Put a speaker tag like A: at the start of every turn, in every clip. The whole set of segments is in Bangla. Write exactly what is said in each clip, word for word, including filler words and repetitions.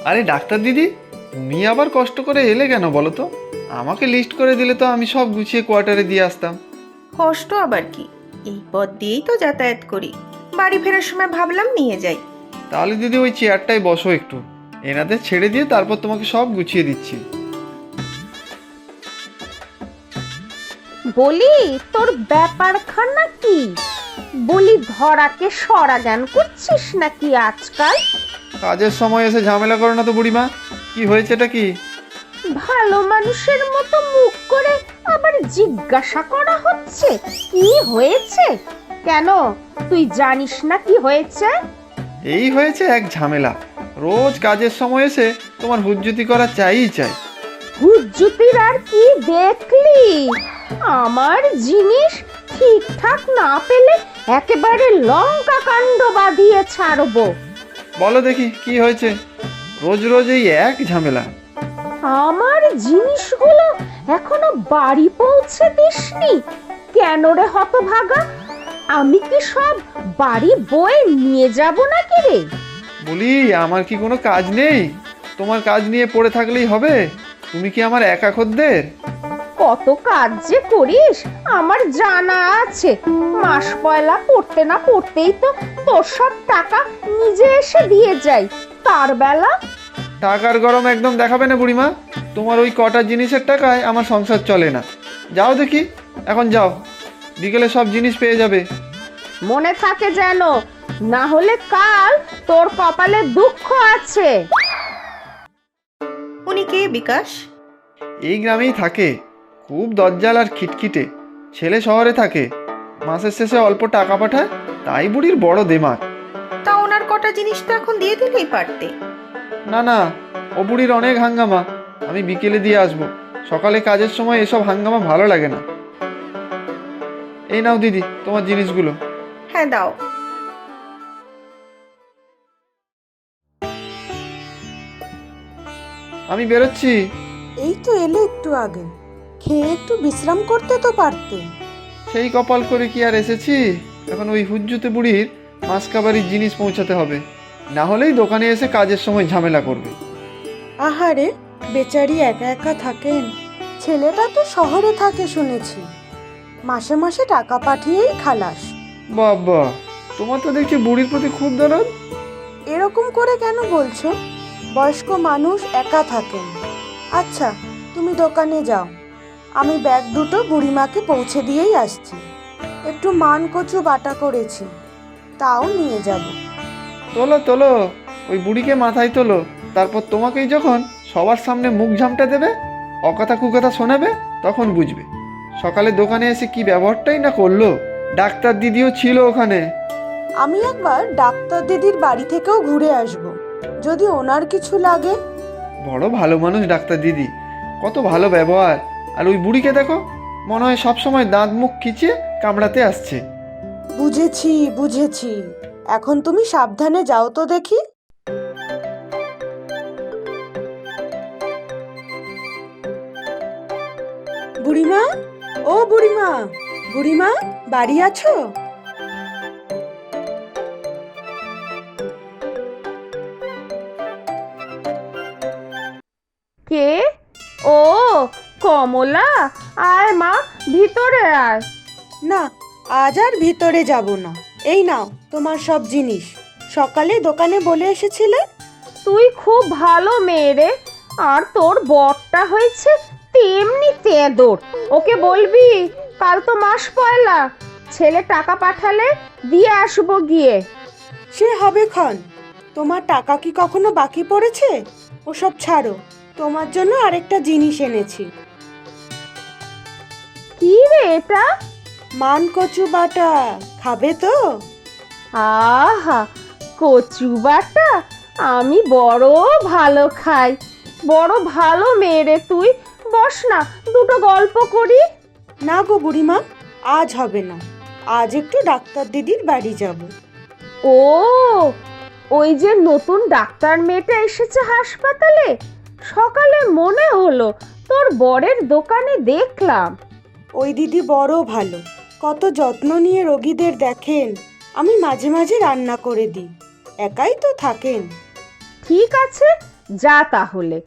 A: আরে ডাক্তার দিদি, তুমি আবার কষ্ট করে এলে কেন বলো তো? আমাকে লিস্ট করে দিলে তো আমি সব গুছিয়ে কোয়ার্টারে দিয়ে আসতাম।
B: কষ্ট আবার কি, এই পথ দিয়েই তো যাতায়াত করি। বাড়ি ফেরার সময় ভাবলাম নিয়ে যাই।
A: তাহলে দিদি ওই চেয়ারটায় বসো একটু, এনাদের ছেড়ে দিয়ে তারপর তোমাকে সব গুছিয়ে দিচ্ছি।
C: বলি তোর ব্যাপারখানা কি? বলি ধরাকে সরা জ্ঞান করছিস নাকি আজকাল?
A: কাজের সময় এসে ঝামেলা করো না তো বুড়িমা। কি হয়েছে এটা কি?
C: ভালো মানুষের মতো মুখ করে আবার জিজ্ঞাসা করা হচ্ছে কি হয়েছে। কেন, তুই জানিস না কি হয়েছে?
A: এই হয়েছে এক ঝামেলা। রোজ কাজের সময় এসে তোমার হুজ্জুতি করা চাইই চাই।
C: হুজ্জুতির আর কি দেখলি? আমার জিনিস ঠিকঠাক না পেলে একেবারে লঙ্কা কাণ্ড বাঁধিয়ে ছাড়বো।
A: বলো দেখি কি হয়েছে? রোজ রোজ এই এক ঝামেলা।
C: আমার জিনিসগুলো এখনো বাড়ি পৌঁছে দিসনি কেন রে হতভাগা? আমি কি সব বাড়ি বয়ে নিয়ে যাব নাকি রে?
A: বলি আমার কি কোনো কাজ নেই? তোমার কাজ নিয়ে পড়ে থাকলেই হবে? তুমি কি আমার একা খদ্দের?
C: কত কাজ যে করিস আমার জানা আছে। মাস পয়লা পড়তে না পড়তেই তো তোর সব টাকা নিজে এসে দিয়ে যাই। তার বেলা
A: টাকার গরম একদম দেখাবে না বুড়িমা। তোমার ওই কটা জিনিসের টাকায় আমার সংসার চলে না। যাও দেখি, এখন যাও, বিকেলে সব জিনিস পেয়ে যাবে।
C: মনে থাকে যেন, না হলে কাল তোর কপালে দুঃখ আছে।
B: উনি কে বিকাশ?
A: এই গ্রামেই থাকে, খুব দজ্জাল আর খিটখিটে। ছেলে শহরে থাকে, মাসের শেষে অল্প টাকা পাঠায়, তাই বুড়ির বড় দেমাক।
B: তা ওনার কটা জিনিস তো এখন দিয়ে দিলেই পারতে।
A: না না, ও বুড়ির অনেক হাঙ্গামা। আমি বিকেলে দিয়ে আসবো, সকালে কাজের সময় এসব হাঙ্গামা ভালো লাগে না। এই নাও দিদি তোমার জিনিসগুলো।
B: হ্যাঁ দাও।
A: আমি বেরোচ্ছি।
D: এই তো এলে একটু আগে, খেয়ে একটু বিশ্রাম করতে তো পারতে।
A: সেই কপাল করে কি আর এসেছি? এখন ওই হুজ্জুতে বুড়ির মাসকাবারির জিনিস পৌঁছাতে হবে, না হলেই দোকানে এসে কাজের সময় ঝামেলা করবে।
D: আহারে, বেচারি একা একা থাকেন। ছেলেটা তো শহরে থাকে শুনেছি, মাসে মাসে টাকা পাঠিয়েই খালাস।
A: বাবা, তোমার তো দেখছি বুড়ির প্রতি খুব দরদ।
D: এরকম করে কেন বলছো? বয়স্ক মানুষ একা থাকেন। আচ্ছা, তুমি দোকানে যাও, আমি ব্যাগ দুটো বুড়িমাকে পৌঁছে দিয়েই আসছি। একটু মান কচু বাটা করেছি, তাও নিয়ে যাব।
A: তোলো তোলো, ওই বুড়িকে মাথায় তোলো, তারপর তোমাকেই যখন সবার সামনে মুখ ঝামটা দেবে, অকথা কুকথা শোনাবে, তখন বুঝবে। সকালে দোকানে এসে কি ব্যবহারটাই না করলো। ডাক্তার দিদিও ছিল ওখানে।
D: আমি একবার ডাক্তার দিদির বাড়ি থেকেও ঘুরে আসব, যদি ওনার কিছু লাগে।
A: বড় ভালো মানুষ ডাক্তার দিদি, কত ভালো ব্যবহার। আর ওই বুড়িকে দেখো, মনে হয় সবসময় দাঁত মুখ খিচিয়ে কামড়াতে আসছে।
D: বুঝেছি বুঝেছি, এখন তুমি সাবধানে যাও তো দেখি। বুড়িমা, ও বুড়িমা, বুড়িমা বাড়ি আছো?
C: কে? ও কমলা, আয় মা, ভিতরে আয়।
D: না, আজ আর ভিতরে যাব না। এই নাও তোমার সব জিনিস, সকালে দোকানে বলে এসেছিলে।
C: তুই খুব ভালো মেয়ে রে, আর তোর বরটা হয়েছে তেমনি তেঁদর। ওকে বলবি কাল তো মাস পয়লা, ছেলে টাকা পাঠালে দিয়ে আসবো গিয়ে।
D: সে হবে ক্ষণ, তোমার টাকা কি কখনো বাকি পড়েছে? ওসব ছাড়ো, তোমার জন্য আরেকটা জিনিস এনেছি।
C: কি রে এটা?
D: মান কচু বাটা, খাবে তো?
C: আহা, কচু বাটা আমি বড় ভালো খাই। বড় ভালো মেয়ে রে তুই। বস না, দুটো গল্প করি।
D: না গো বুড়িমা, আজ হবে না। আজ একটু ডাক্তার দিদির বাড়ি যাব।
C: ও, ওই যে নতুন ডাক্তার মেয়েটা এসেছে হাসপাতালে, সকালে মনে হলো তোর বরের দোকানে দেখলাম।
D: ওই দিদি বড় ভালো, কত যত্ন নিয়ে রোগীদের দেখেন। আমি মাঝে মাঝে রান্না করে দিই, একাই তো থাকেন।
C: ঠিক আছে, যা তাহলে।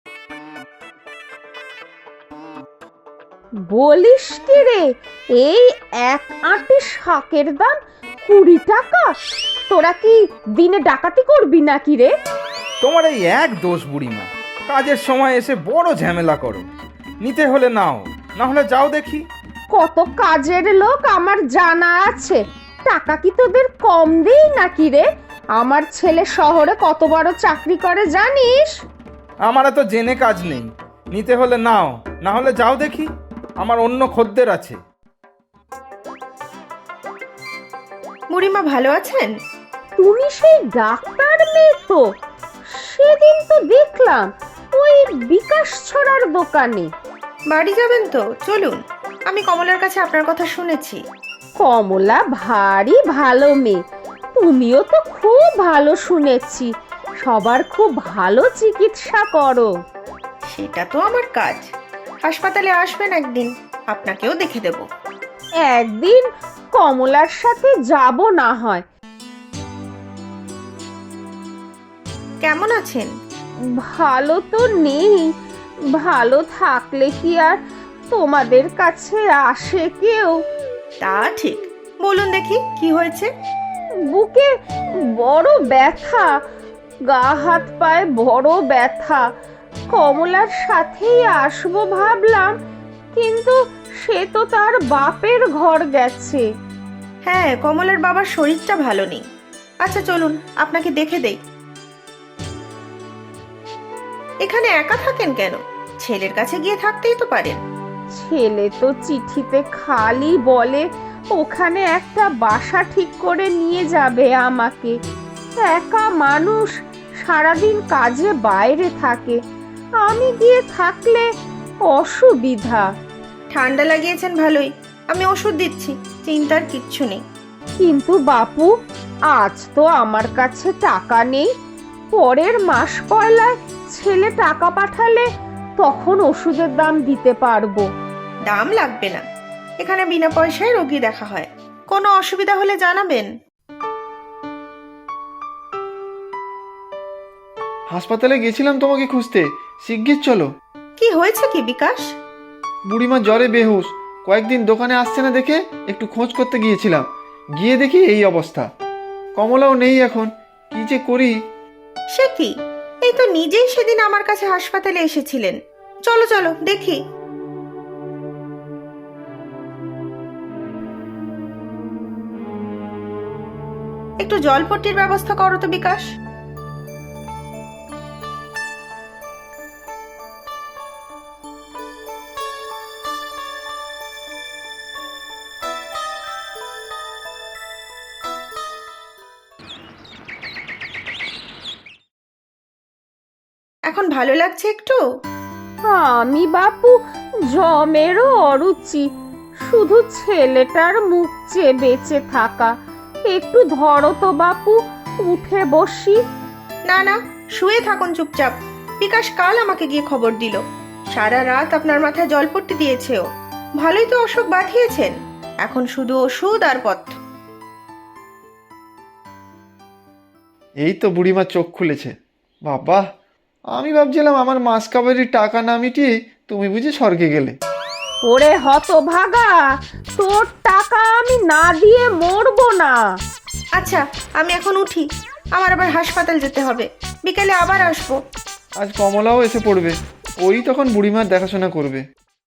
C: বলিস কি রে, এই এক আঁটি শাকের দাম কুড়ি টাকা? তোরা কি দিনে ডাকাতি করবি নাকি রে?
E: তোমার এই এক দোষ বুড়িমা, কাজের সময় এসে বড় ঝামেলা করো। নিতে হলে নাও, না হলে যাও দেখি।
C: কত কাজের লোক আমার জানা আছে, টাকা কি তোদের কম দেই নাকি রে? আমার ছেলে শহরে কত বড় চাকরি করে জানিস?
E: আমার তো জেনে কাজ নেই, নিতে হলে নাও, না হলে যাও দেখি। আমার অন্য খদ্দের আছে।
B: বুড়িমা ভালো আছেন?
C: তুমি সেই ডাক্তার মেয়ে তো? সেদিন তো দেখলাম ওই বিকাশ ছড়ার দোকানে।
B: বাড়ি যাবেন তো? চলুন, আমি কমলার কাছে আপনার কথা শুনেছি।
C: কমলা ভারী ভালো মেয়ে, তুমিও তো খুব ভালো শুনেছি, সবার খুব ভালো চিকিৎসা করো।
B: সেটা তো আমার কাজ। হাসপাতালে আসবেন একদিন, আপনাকেও দেখে দেব।
C: একদিন কমলার সাথে যাব না হয়।
B: কেমন আছেন?
C: ভালো তো নেই, ভালো থাকলে কি আর তোমাদের কাছে আসে কেউ?
B: তা ঠিক, বলুন দেখি কি হয়েছে।
C: বুকে বড় ব্যথা, গা হাত পায়ে বড় ব্যথা। কমলার সাথেই আসবো ভাবলাম, কিন্তু সে তো তার বাপের ঘর গেছে।
B: হ্যাঁ, কমলার বাবার শরীরটা ভালো নেই। আচ্ছা চলুন, আপনাকে দেখে দেই। এখানে একা থাকেন কেন? ছেলের কাছে গিয়ে থাকতেই তো পারেন।
C: ছেলে তো চিঠিতে খালি বলে ওখানে একটা বাসা ঠিক করে নিয়ে যাবে আমাকে। একা মানুষ, সারাদিন কাজে বাইরে থাকে, আমি গিয়ে থাকলে অসুবিধা।
B: ঠান্ডা লাগিয়েছেন ভালোই, আমি ওষুধ দিচ্ছি, চিন্তার কিচ্ছু নেই।
C: কিন্তু বাপু, আজ তো আমার কাছে টাকা নেই। পরের মাস পয়লায় ছেলে টাকা পাঠালে তখন ওষুধের দাম দিতে পারবো।
B: দাম লাগবে না, এখানে বিনা পয়সায় রোগী দেখা হয়। কোনো অসুবিধা হলে জানাবেন।
A: হাসপাতালে গেছিলাম তোমাকে খুঁজতে, শিগগির চলো।
B: কি হয়েছে কি বিকাশ?
A: বুড়িমা জ্বরে বেহুশ, কয়েকদিন দোকানে আসছে না দেখে একটু খোঁজ করতে গিয়েছিলাম, গিয়ে দেখি এই অবস্থা। কমলাও নেই এখন, কি যে করি।
B: সে কি, এই তো নিজেই সেদিন আমার কাছে হাসপাতালে এসেছিলেন। চলো চলো দেখি। একটু জলপট্টির ব্যবস্থা করো তো বিকাশ। এখন ভালো লাগছে একটু?
C: আমি বাপু জমেরও অরুচি, শুধু ছেলেটার মুখ চেয়ে বেঁচে থাকা। একটু ধরো তো বাপু, উঠে বসি।
B: না না, শুয়ে থাকুন চুপচাপ। বিকাশ কাল আমাকে গিয়ে খবর দিল, সারা রাত আপনার মাথায় জলপট্টি দিয়েছে ও। ভালোই তো অসুখ বাঁধিয়েছেন, এখন শুধু ওষুধ আর পথ্য।
A: এই তো বুড়িমা চোখ খুলেছে। বাবা, আমি ভাবছিলাম আমার মাস কাবারির টাকা না মিটিয়ে তুমি বুঝি স্বর্গে গেলে।
C: ওরে হতভাগা, তোর টাকা আমি না দিয়ে মরবো না।
B: আচ্ছা আমি এখন উঠি, আমার আবার হাসপাতাল যেতে হবে, বিকেলে আবার আসবো।
A: আজ কমলাও এসে পড়বে, ওই তখন বুড়িমার দেখাশোনা করবে।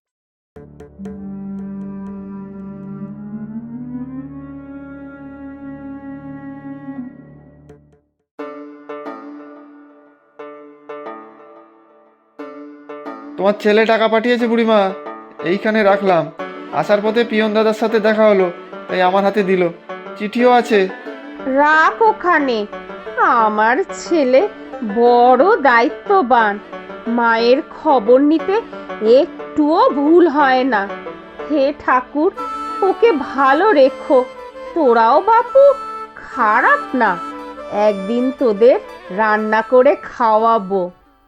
A: তোমার ছেলে টাকা পাঠিয়েছে বুড়িমা, এইখানে রাখলাম। আসার পথে পিয়ন দাদার সাথে দেখা হলো, তাই আমার হাতে দিল। চিঠিও আছে।
C: রাখ ওখানে। আমার ছেলে বড় দায়িত্ববান, মায়ের খবর নিতে একটুও ভুল হয় না। হে ঠাকুর, ওকে ভালো রেখো। তোরাও বাপু খারাপ না, একদিন তোদের রান্না করে খাওয়াবো।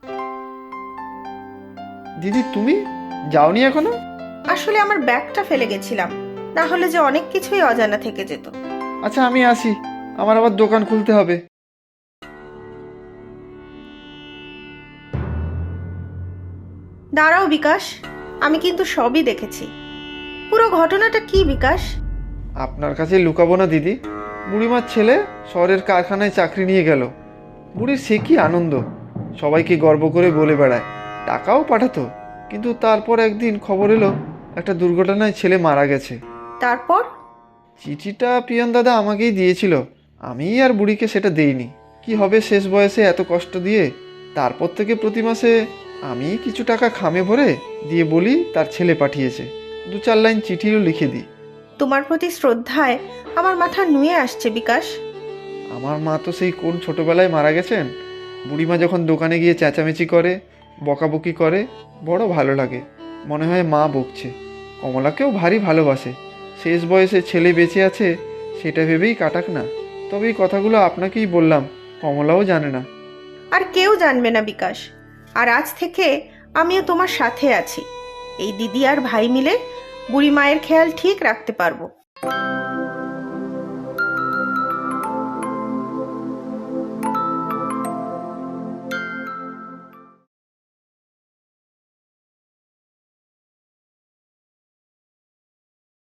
A: দিদি, তুমি যাওনি এখনো?
B: আসলে আমার ব্যাগটা ফেলে গেছিলাম, না হলে যে অনেক কিছুই অজানা থেকে যেত।
A: আচ্ছা আমি আসি, আমার আবার দোকান খুলতে হবে।
B: দাঁড়াও বিকাশ, আমি কিন্তু সবই দেখেছি। পুরো ঘটনাটা কি বিকাশ?
A: আপনার কাছে লুকাবো না দিদি, বুড়িমার ছেলে শহরের কারখানায় চাকরি নিয়ে গেল। বুড়ির সে কি আনন্দ, সবাইকে গর্ব করে বলে বেড়ায়, টাকাও পাঠাতো। কিন্তু তারপর একদিন খবর এলো একটা দুর্ঘটনায় ছেলে মারা গেছে।
B: তারপর?
A: চিঠিটা পিয়ন দাদা আমাকেই দিয়েছিল, আমি আর বুড়িকে সেটা দেইনি। কি হবে শেষ বয়সে এত কষ্ট দিয়ে। তারপর থেকে প্রতি মাসে আমি কিছু টাকা খামে ভরে দিয়ে বলি তার ছেলে পাঠিয়েছে, দু চার লাইন চিঠিও লিখে দিই।
B: তোমার প্রতি শ্রদ্ধায় আমার মাথা নুয়ে আসছে বিকাশ।
A: আমার মা তো সেই কোন ছোটবেলায় মারা গেছেন। বুড়িমা যখন দোকানে গিয়ে চেঁচামেচি করে, বকাবকি করে, বড় ভালো লাগে। মনে হয় মা বকছে। কমলাকেও ভারী ভালোবাসে। শেষ বয়সে ছেলে বেঁচে আছে সেটা ভেবেই কাটাক না। তবে এই কথাগুলো আপনাকেই বললাম, কমলাও জানে না।
B: আর কেউ জানবে না বিকাশ। আর আজ থেকে আমিও তোমার সাথে আছি। এই দিদি আর ভাই মিলে বুড়ি মায়ের খেয়াল ঠিক রাখতে পারবো।